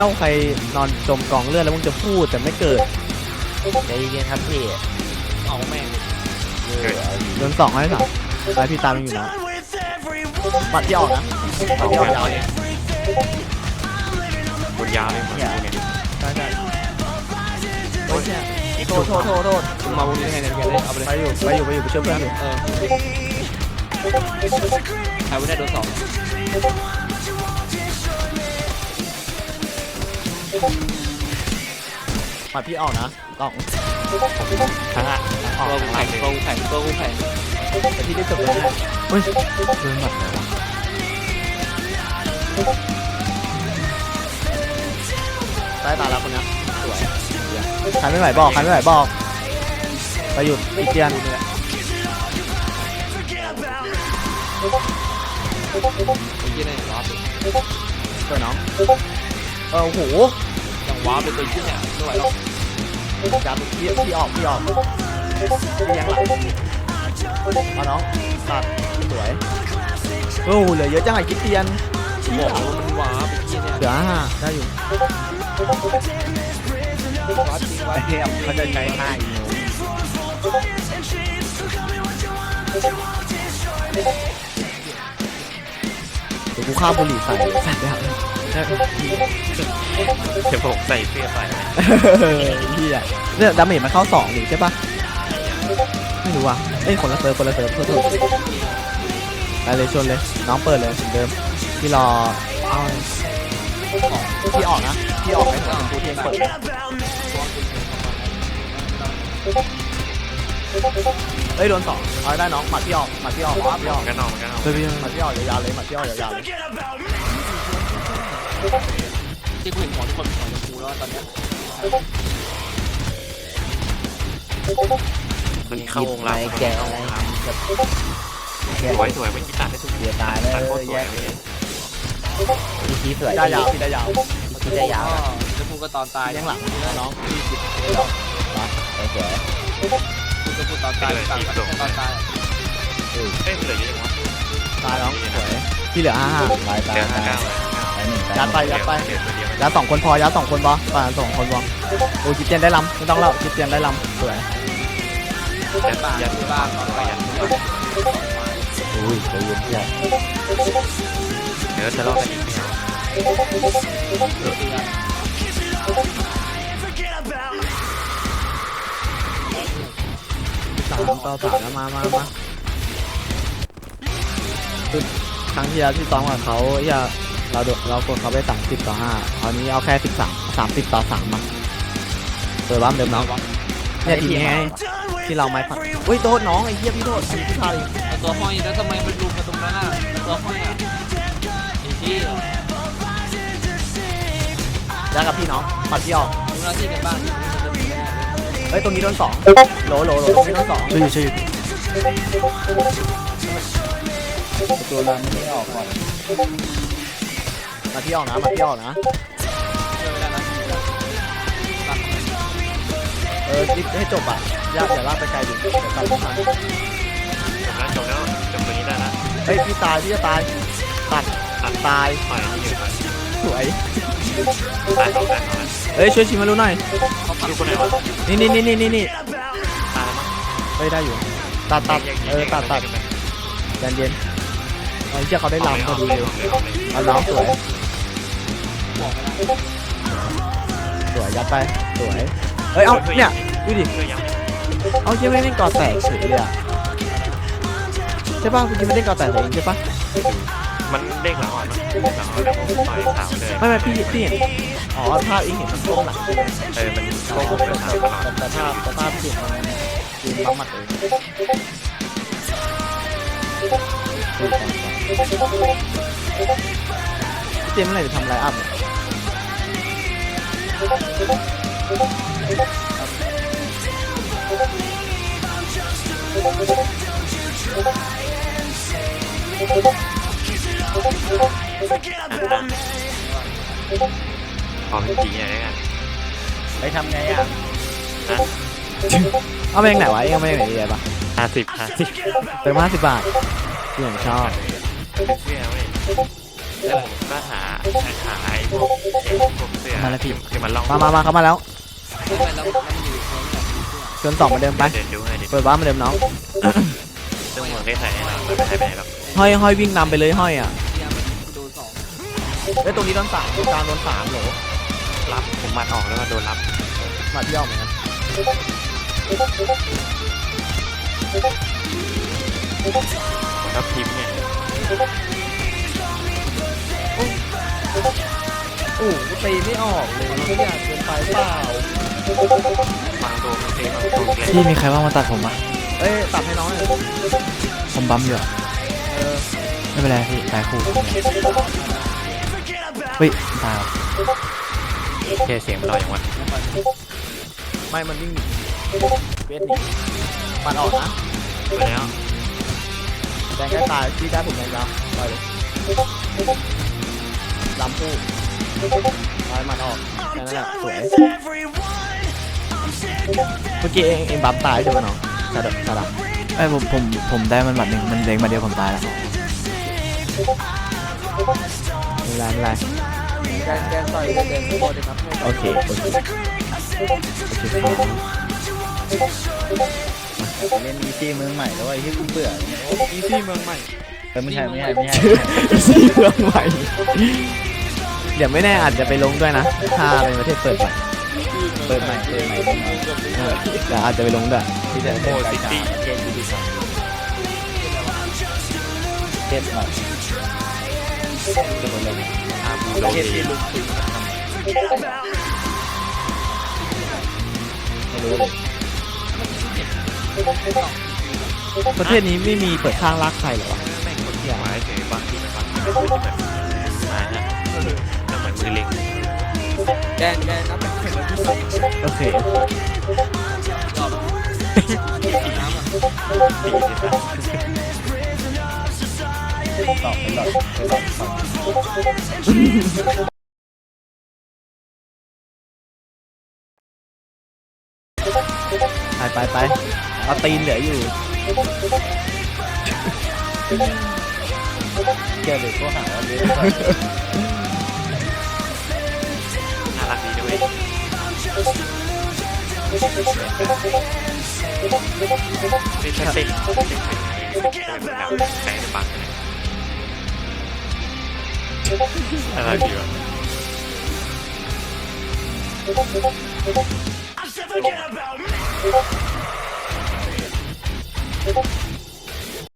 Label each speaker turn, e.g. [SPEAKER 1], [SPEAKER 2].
[SPEAKER 1] เอ้าใครนอนจมกองเลือดแล้วมึงจะพูดแต่ไม่เกิด
[SPEAKER 2] ใจเย็นครับพี่เอาแม่ง
[SPEAKER 1] โดนสองให้สามไปพี่ตามมันอยู่นะปัดที่ออกนะปัดที่ออกยาวเนี่ย
[SPEAKER 3] บนยาวเลยเหมือนกูเนี่ย
[SPEAKER 1] ใช่ใช่โอ้ยโทษมึงมาวงนี้ได้ไงเนี่ยเลยเอาไปเลยไปอยู่ไปช่วยเพื่อนอยู่
[SPEAKER 2] ใครไม่ได้โดนสอง
[SPEAKER 1] ปัดพี่ออกนะกล่อง
[SPEAKER 3] ทั้งอ่ะ
[SPEAKER 1] ออก
[SPEAKER 2] ตัวกูแข็ง
[SPEAKER 1] แต่พี่ได้จบเลยนะเฮ้ยโดนหมัดไหนวะใต้ตาแล้วคนนี้สวยใครไม่ไหวบอกไปหยุดอีเจียน
[SPEAKER 2] เมื่อกี้เนี่ยว้าร์ป
[SPEAKER 1] ตัวน้องโอ้โห
[SPEAKER 2] ยังว้าร์ปเป็นตัวที่เนี่ยไม่ไหวหรอก
[SPEAKER 1] จับพี่ออกพี่ยังหลังเอาน้องตัดสวยโอ้โหเหลือเยอะจังไอ้คิดเตียน
[SPEAKER 2] บอกว่ามันว้าร์ปเป็นที่เนี่ย
[SPEAKER 1] เหลือ5ได้อยู่
[SPEAKER 2] ว้าร์ปจริงว้าร์ป
[SPEAKER 1] เขาจะใช้5อีกเดี๋ยวกูข้าวบุหรี่ใส่แล้ว
[SPEAKER 3] เดี๋ยวผมใส่เสื้อไป
[SPEAKER 1] พี่อ่ะเนี่ยดาเมจมันเข้า2หรือใช่ปะไม่รู้อ่ะเอ้ยคนละเซิร์ฟโทษไปเลยชนเลยน้องเปิดเลยเหมือนเดิมพี่รอเอาพี่ออกนะพี่ออกไปหัวชมพูเทียงเปิดเฮ้ยโดน2เอาได้น้องหมัดพี่ออกพี่ออก
[SPEAKER 3] กันนอกกันนอก
[SPEAKER 1] เฮ้ยพี่หมัดพี่ออกยาวๆเลยหมัดพี่ออกยาวๆเลย
[SPEAKER 2] ที่กูเห็นของทุกคนเป็นของชมพูแล้วตอนเนี้ย
[SPEAKER 3] มันเข้าวงเรา
[SPEAKER 4] แกะอะไรกับ
[SPEAKER 3] สวยไม่คิดตัดได้ทุก
[SPEAKER 4] เสียตายเลย
[SPEAKER 3] ตัดโคตรสวย
[SPEAKER 4] ทีทีสวย
[SPEAKER 1] ได้ยาวพี่ได้ยาว
[SPEAKER 4] ทีได้ยาว
[SPEAKER 2] ชมพูก็ตอนตาย
[SPEAKER 1] ยังหลังน้อง
[SPEAKER 4] สวย
[SPEAKER 2] ชมพูตอนตายต่างกันแค่ตอนตาย
[SPEAKER 3] เอ้ยเหลือเยอะจังวะ
[SPEAKER 1] ตายน้องสวยพี่เหลือ5
[SPEAKER 4] ลายตา
[SPEAKER 3] เหลือ5 9
[SPEAKER 1] ยัดไป
[SPEAKER 3] เดี๋ยว
[SPEAKER 1] ยัด2คนพอยัด2คนบอป่า2คนบอโอ้คิดเตียนได้ลำไม่ต้องเล่าคิดเตียนได้ลำสวย
[SPEAKER 3] ยัด
[SPEAKER 2] ที่บ้านตอนตาย
[SPEAKER 4] อุ้ยใจเย็นเพื่อน
[SPEAKER 3] เดี๋ยวจะลอกกันอีกไม่เอา
[SPEAKER 1] 3-3แล้วมาคือครั้งที่แล้วที่ซ้อมกับเขาอย่าเรากดเขาไป30-5คราวนี้เอาแค่30-3มาเปิดบ้านเดิมน้องเนี่ยทีนี้ไงที่เราไม่ผัดอุ้ยโทษน้องไอ้เหี้ยพี่โทษพี่พลาดเอง
[SPEAKER 2] ตัวห้อยแล้วทำไมมันลุมกันตรงนั้นอ่ะตัวห้อยอ่ะไอ้ที่
[SPEAKER 1] ยัดกับพี่น้องปัดพี่ออก
[SPEAKER 2] ดูหน้าที่กันบ้าง
[SPEAKER 1] เฮ้ยตรงนี้โดน2โหลตรงนี้โดน2ชื่อ
[SPEAKER 4] ตัวนั้นไม่ออกก่อน
[SPEAKER 1] มาพี่ออกนะคิดให้จบอ่ะอย่าลากไปไกลดิเดี๋ยวกลับมา
[SPEAKER 3] จบแล้วจบตัวนี้ได้นะ
[SPEAKER 1] เฮ้ยพี่จะตายตัดตาย
[SPEAKER 3] ปล่อยนี่อยู่ก่อน
[SPEAKER 1] สวย
[SPEAKER 3] ตายต่อ
[SPEAKER 1] เฮ้ยช่วยชิมมารู้หน่อย
[SPEAKER 3] ดูคนไหนวะ
[SPEAKER 1] นี่
[SPEAKER 3] ตายแล้วมั้ง
[SPEAKER 1] เฮ้ยได้อยู่ตัดเย็นไอ้เจ้าเขาได้ลำพอดีเลยเอาน้องสวยยัดไปสวยเฮ้ยเอาเนี่ยดูดิ
[SPEAKER 3] เพื่อยัง
[SPEAKER 1] เอาเชี่ยไม่เล่นก่อแตกเฉยเลยอ่ะใช่ป่ะคุณกินไม่เล่นก่อแตกเองใช่ป่ะ
[SPEAKER 3] มันเด้งหลังอ่อนมั้ยเด้งหลังอ่อนแล้วผมต่อยขาวเลย
[SPEAKER 1] ไม่พี่เห็นอ๋อภาพเองเห็นมันโค้งหลัง
[SPEAKER 3] มันโค้งเป็นขาวตลอด
[SPEAKER 1] แต่ภาพเห็นมันยืนปั๊มหมัดเองเจมส์เมื่อไหร่จะทำไลน์อัพเนี่ย
[SPEAKER 3] พอเป็นจริงอย่างนี้กัน
[SPEAKER 4] ไปทำไงอ่ะ
[SPEAKER 1] เอาไปยังไหนวะยังไม่ไหนดีเลยปะ
[SPEAKER 3] 50
[SPEAKER 1] เติม50 บาทที่ผมชอบ
[SPEAKER 3] เพื่อไม่แล้วผมก็หาไอ้พวกเสื้อ
[SPEAKER 1] มาแล้วพี่
[SPEAKER 3] ที่มันล่อง
[SPEAKER 1] มาเข้ามาแล้ว
[SPEAKER 2] ไม่ไปแล้วมันอยู่ตรงนี้
[SPEAKER 1] ชวนสองเหมาเดิมไป
[SPEAKER 3] เดินดูให้ดิ
[SPEAKER 1] เปิดบ้านเหมาเดิมน้อง
[SPEAKER 3] ซึ่งหัวใส่แน่นอนไม่หายไปไหนหรอก
[SPEAKER 1] ห้อยวิ่งนำไปเลยห้อยอ่ะ
[SPEAKER 2] เนี่ยมันโดนสอง
[SPEAKER 1] เอ้ยตรงนี้โดนสามตรงกลางโดนสามโหล
[SPEAKER 3] รับผมมัดออกแล้วก็โดนรับ
[SPEAKER 1] มาที่ออกเหมือนกัน
[SPEAKER 3] แล้วพิมพ์เนี่ย
[SPEAKER 1] โอ้ตีไม่ออกเลยไม่อยากเกินไปเปล่า
[SPEAKER 3] บางตัวมันเต็มบางตัวเล็ก
[SPEAKER 5] พี่มีใครว่างมาตัดผมอ่ะ
[SPEAKER 1] เอ้ยตัดให้น้องหน่อย
[SPEAKER 5] ผมบัมอยู่อะ
[SPEAKER 1] เออ
[SPEAKER 5] ไม่เป็นไรพี่ตายคู่เฮ้ยตายว่ะ
[SPEAKER 3] แค่เสียงมันลอยอย่างวะ
[SPEAKER 1] ไม่มันวิ่งหนีเวทหนีมันออกนะ
[SPEAKER 3] ไปแล้ว
[SPEAKER 1] แดงใกล้ตายพี่ได้ผมแดงยาวปล่อยเลยลำคู่ปล่อยมันออกแค่นั้นแหละสวยเมื่อกี้เองบัมตายใช่ไหมน้องสะดับ
[SPEAKER 5] ไอ้ยผมได้มันบัตรหนึ่งมันเด้งมาเดียวผมตายแล้ว
[SPEAKER 1] ไม่เป็นไรแกต่อยเดินโคตรครับโอเค
[SPEAKER 4] เล่นอีซี่เมืองใหม่แล้วไอ้ที่กูเบื่อ
[SPEAKER 1] อีซี่เมืองใหม่
[SPEAKER 4] ไม่ใช่
[SPEAKER 1] อีซี่เมืองใหม่เดี๋ยวไม่แน่อาจจะไปลงด้วยนะถ้าเป็นประเทศเปิดใหม่
[SPEAKER 4] เปิดใหม่
[SPEAKER 1] เดี๋ยวอาจจะไปลงด้วย
[SPEAKER 4] ที่จะโคซิตี้เกมยูดีสองเทสใหม่ตัวลง
[SPEAKER 3] อาบูโด
[SPEAKER 4] เทส
[SPEAKER 3] นี
[SPEAKER 4] ที่ลุกขึ้นไม่รู้เลย
[SPEAKER 1] ประเทศนี้ไม่มีเปิดข้างลากใครเหรอวะ
[SPEAKER 3] แม่งคนที่หมายถึงบางทีมันแบบมาฮะแล้วเหมือนมือเล็ง
[SPEAKER 2] แกนนับเป็นเข็มที่สุด
[SPEAKER 1] โอเค
[SPEAKER 2] จอบน้ำอ่ะ
[SPEAKER 3] ปีที่สาม
[SPEAKER 4] ตอบเป็นหลอดฟัง
[SPEAKER 1] ไปเอาตีนเหลืออยู่
[SPEAKER 4] เกมเด็กก็หาว่าเล่น
[SPEAKER 3] น่ารักดีด้วยนี่ถ้าติดแบบแสงปังเลยน่ารักดีว่ะ
[SPEAKER 6] Forget about me.